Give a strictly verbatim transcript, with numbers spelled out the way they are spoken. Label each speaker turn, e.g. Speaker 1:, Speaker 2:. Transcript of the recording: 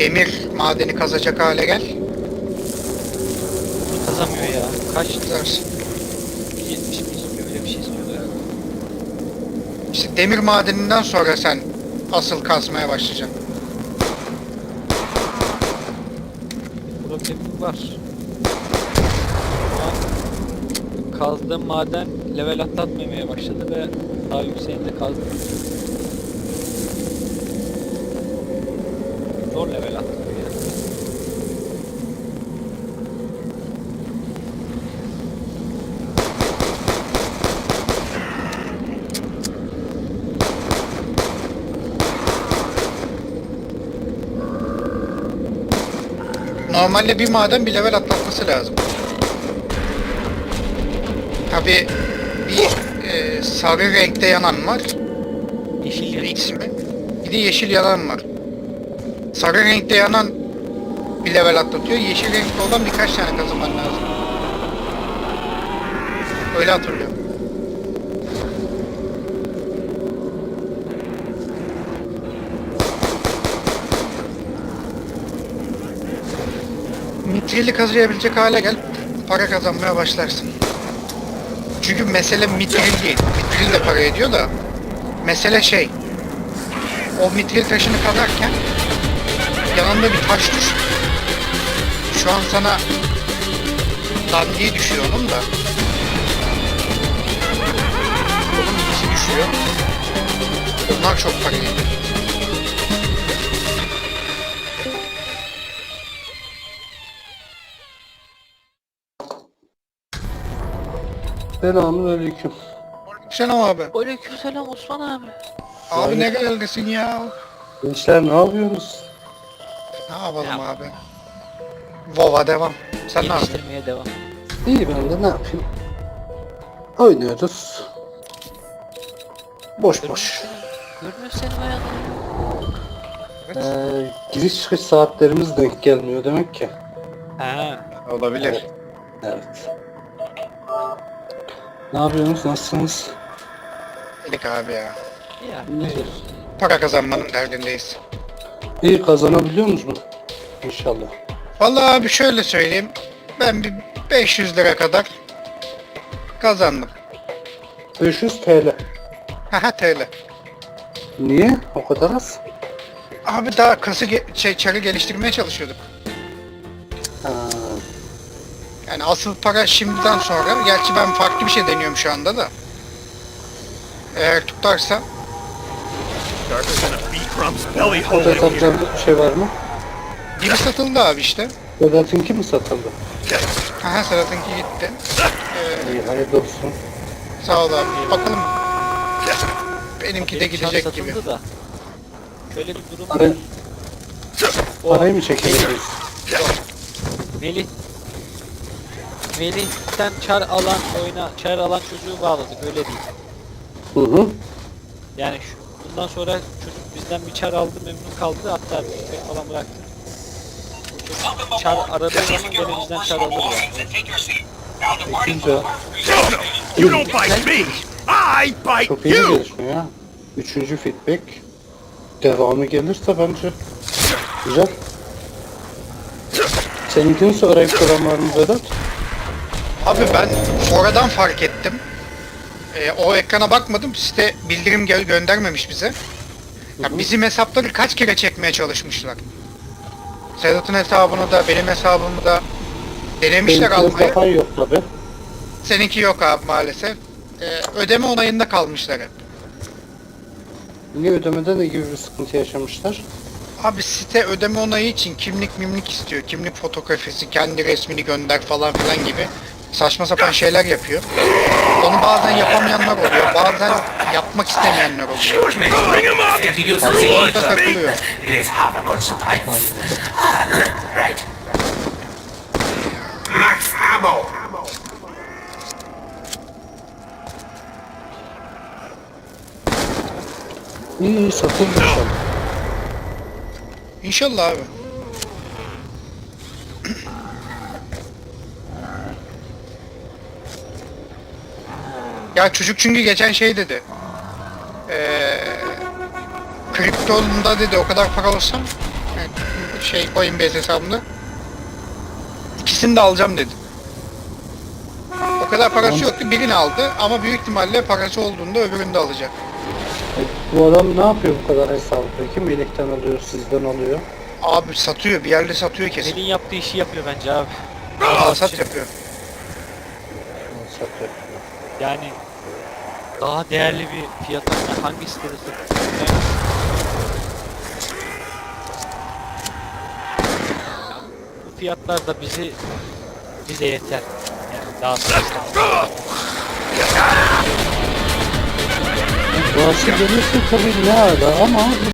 Speaker 1: demir madeni kazacak hale gel.
Speaker 2: Kazamıyor ya. Kaç?
Speaker 1: Güzelsin.
Speaker 2: yetmiş mi istiyor? Öyle bir şey istiyordu herhalde.
Speaker 1: İşte demir madeninden sonra sen asıl kazmaya başlayacaksın.
Speaker 2: Problemim var. Şu an kazdığım maden level atlatmamaya başladı ve daha yükseğinde kazdım. Zor level atlatıyor yani.
Speaker 1: Normalde bir maden bir level atlatması lazım. Tabi bir e, sarı renkte yanan var.
Speaker 2: Yeşil yanıyor.
Speaker 1: X mi? Bir de yeşil yanan var. Sarı renkte yanan bir level atlatıyor. Yeşil renkte olan birkaç tane kazanman lazım. Öyle hatırlıyorum. Mitrili kazıyabilecek hale gel, para kazanmaya başlarsın. Çünkü mesele mitril değil. Mitril de para ediyor da mesele şey, o mitril taşını kazarken yanında bir taş düşüyor. Şu an sana dandiği düşüyor onun da. Onun ikisi düşüyor. Onlar çok para ediyor.
Speaker 3: Selamünaleyküm.
Speaker 1: Selam abi.
Speaker 2: Aleykümselam Osman abi.
Speaker 1: Abi ne
Speaker 3: Aleyküm.
Speaker 1: geldesin ya?
Speaker 3: Gençler ne yapıyorsunuz?
Speaker 1: Ne yapalım
Speaker 2: Ya.
Speaker 1: abi? Vova devam. Sen ne yapıyorsun?
Speaker 2: Geliştirmeye devam.
Speaker 3: İyi ben de ne yapayım? Oynuyoruz. Boş boş.
Speaker 2: Görmüyor seni bayağı.
Speaker 3: Ee, giriş çıkış saatlerimiz denk gelmiyor demek ki.
Speaker 2: Ha.
Speaker 1: Olabilir.
Speaker 3: Evet. Ne yapıyorsunuz? Nasılsınız?
Speaker 1: Dedik abi ya.
Speaker 2: Ya.
Speaker 3: İyi.
Speaker 1: Para kazanmanın derdindeyiz.
Speaker 3: İyi kazanabiliyor musunuz? İnşallah.
Speaker 1: Vallahi abi şöyle söyleyeyim. Ben bir beş yüz lira kadar kazandım.
Speaker 3: beş yüz T L.
Speaker 1: Haha T L.
Speaker 3: Niye? O kadar az.
Speaker 1: Abi daha kası ge şey, çarı geliştirmeye çalışıyorduk.
Speaker 3: Ha,
Speaker 1: Yani asıl para şimdiden sonra. Gerçi ben farklı bir şey deniyorum şu anda da. Eğer tutarsa
Speaker 4: Darker than a bee crumb's belly
Speaker 3: o
Speaker 4: hole
Speaker 3: da
Speaker 4: in here.
Speaker 3: satacağınız bir şey var mı?
Speaker 1: biri satıldı abi işte.
Speaker 3: Vedat'ınki mi satıldı?
Speaker 1: Haha Serhat'ınki gitti.
Speaker 3: İyi hayırlı olsun.
Speaker 1: Sağ ol abi. Bakalım. Benimki de
Speaker 2: Benim çar
Speaker 1: gidecek
Speaker 2: satıldı
Speaker 1: gibi.
Speaker 2: da. Şöyle bir durum var.
Speaker 3: Parayı,
Speaker 2: O
Speaker 3: parayı mı çekeceğiz?
Speaker 2: Melih Melih'ten çar alan oyuna çar alan çocuğu bağladık öyle değil.
Speaker 3: Hı hı.
Speaker 2: Yani şu, bundan sonra çocuk bizden bir çar aldı memnun kaldı hatta bir falan bıraktı. Bu çocuk çar aradığı zaman gene bizden çar alır yani.
Speaker 3: Güzel.
Speaker 4: No, no, you don't bite me. I bite
Speaker 3: Çok iyi
Speaker 4: you.
Speaker 3: gelişme ya. Üçüncü feedback. Devamı gelirse bence güzel. Seninkini sonra ekran var mı Vedat?
Speaker 1: Abi ben sonradan fark ettim. Ee, o ekrana bakmadım. Site bildirim gö göndermemiş bize. Ya bizim hesapları kaç kere çekmeye çalışmışlar. Sedat'ın hesabını da benim hesabımı da denemişler
Speaker 3: Seninkini
Speaker 1: almaya.
Speaker 3: yapan yok tabi.
Speaker 1: Seninki yok abi maalesef. Ee, ödeme onayında kalmışlar hep.
Speaker 3: Niye ödemede ne gibi bir sıkıntı yaşamışlar?
Speaker 1: Abi site ödeme onayı için kimlik mimlik istiyor. Kimlik fotografisi, kendi resmini gönder falan filan gibi saçma sapan şeyler yapıyor. Onu bazen yapamayanlar oluyor, bazen yapmak istemeyenler oluyor.
Speaker 4: Excuse me. Bring him up.
Speaker 5: If you use the
Speaker 1: Orada takılıyor.
Speaker 5: it is half a good supply. Right. Max ammo.
Speaker 3: İyi iyi satıldı inşallah.
Speaker 1: İnşallah abi. Ya çocuk çünkü geçen şey dedi. Eee kriptonda dedi o kadar para olsam yani şey Coinbase hesabımda. İkisini de alacağım dedi. O kadar parası yoktu, birini aldı ama büyük ihtimalle parası olduğunda öbürünü de alacak.
Speaker 3: E, bu adam ne yapıyor bu kadar hesabı peki? Melih'ten alıyor, sizden alıyor.
Speaker 1: Abi satıyor, bir yerde satıyor kesin.
Speaker 2: Melih'in yaptığı işi yapıyor bence abi.
Speaker 1: Alsat yapıyor.
Speaker 3: Satıyor.
Speaker 2: Yani daha değerli bir fiyata hangi sitede satıyor? Bu fiyatlar da bizi bize yeter. Yani daha sonra
Speaker 3: Burası gelirse tabii ne ara ama